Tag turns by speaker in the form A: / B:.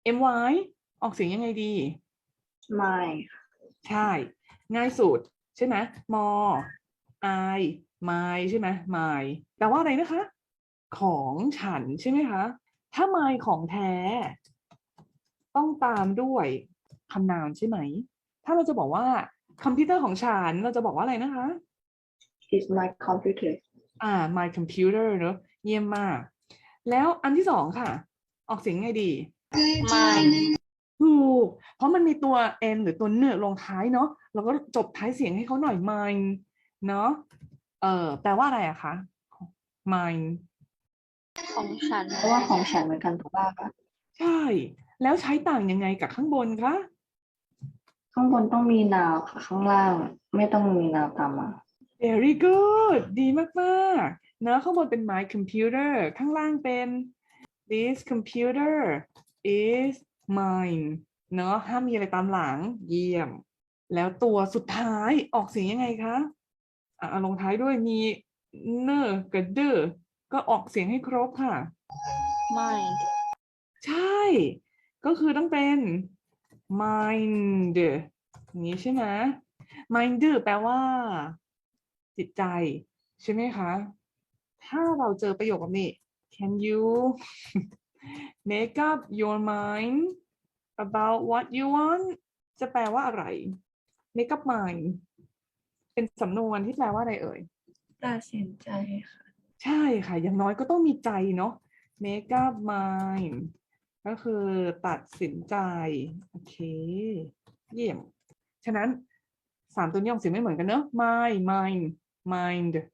A: my ออกเสียงยังไงดี
B: my
A: ใช่ ง่ายสุดใช่ไหม more I my ใช่ไหม my แปลว่าอะไรนะคะ ของฉันใช่ไหมคะ ถ้า my ของแท้ ต้องตามด้วยคำนามใช่ไหม ถ้าเราจะบอกว่าคอมพิวเตอร์ของฉัน เราจะบอกว่าอะไรนะคะ
B: is my computer
A: my computer เนอะเยี่ยมมาก แล้วอันที่สองค่ะ ออกเสียงไงดี
B: my
A: ถูก เพราะมันมีตัว n หรือตัวเนื้อลงท้ายเนาะเราก็จบท้ายเสียงให้เขาหน่อย mine เนาะแปลว่าอะไรอะคะ mine
B: ของฉันเพราะว่าของฉันเหมือนกันถูกป่ะคะ
A: ใช่ แล้วใช้ต่างยังไงกับข้างบนคะ
B: ข้างบนต้องมี now ค่ะข้างล่างไม่ต้องมี now ตามมา
A: very good ดีมากๆเนอะข้างบนเป็น my computer ข้างล่างเป็น this computer is mine เนอะห้ามมีอะไรตามหลังเยี่ยม แล้วตัวสุดท้ายออกเสียงยังไงคะลงท้ายด้วยมีเนอร์กับเดอก็ออกเสียงให้ครบค่ะ
B: mind
A: ใช่ ก็คือต้องเป็น mind อย่างนี้ใช่ไหม mind แปลว่า จิตใจ ใช่ไหมคะ ถ้าเราเจอประโยคแบบนี้ can you make up your mind about what you want จะแปลว่าอะไร make up mind เป็นสำนวนที่แปลว่าอะไรเอ่ย
B: ตัดสินใจค่ะ
A: ใช่ค่ะ อย่างน้อยก็ต้องมีใจเนาะ make up mind ก็คือตัดสินใจ โอเค เยี่ยม ฉะนั้น3ตัวนี้ออกเสียงไม่เหมือนกันเนอะ mind mind mind